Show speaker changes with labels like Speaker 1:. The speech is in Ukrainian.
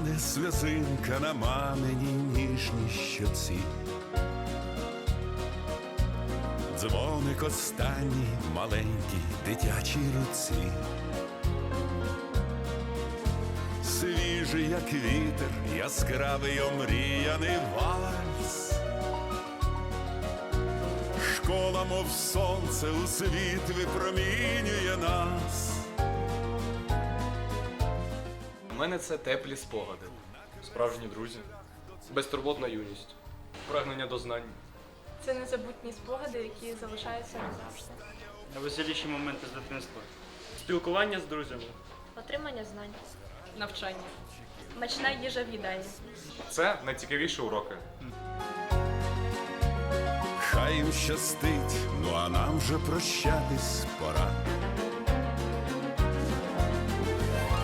Speaker 1: Тане сльозинка на маминій ніжній щоці. Дзвоник останній маленькій дитячій руці. Свіжий, як вітер, яскравий омріяний вальс. Школа, мов сонце, у світ випромінює нас.
Speaker 2: У мене це теплі спогади, справжні друзі, безтурботна юність, прагнення до знань.
Speaker 3: Це незабутні спогади, які залишаються назавжди.
Speaker 4: Найвеселіші моменти з дитинства.
Speaker 5: Спілкування з друзями.
Speaker 3: Отримання знань.
Speaker 6: Навчання.
Speaker 3: Смачна їжа в їдальні.
Speaker 2: Це найцікавіші уроки.
Speaker 1: Хай їм щастить, ну а нам вже прощатись пора.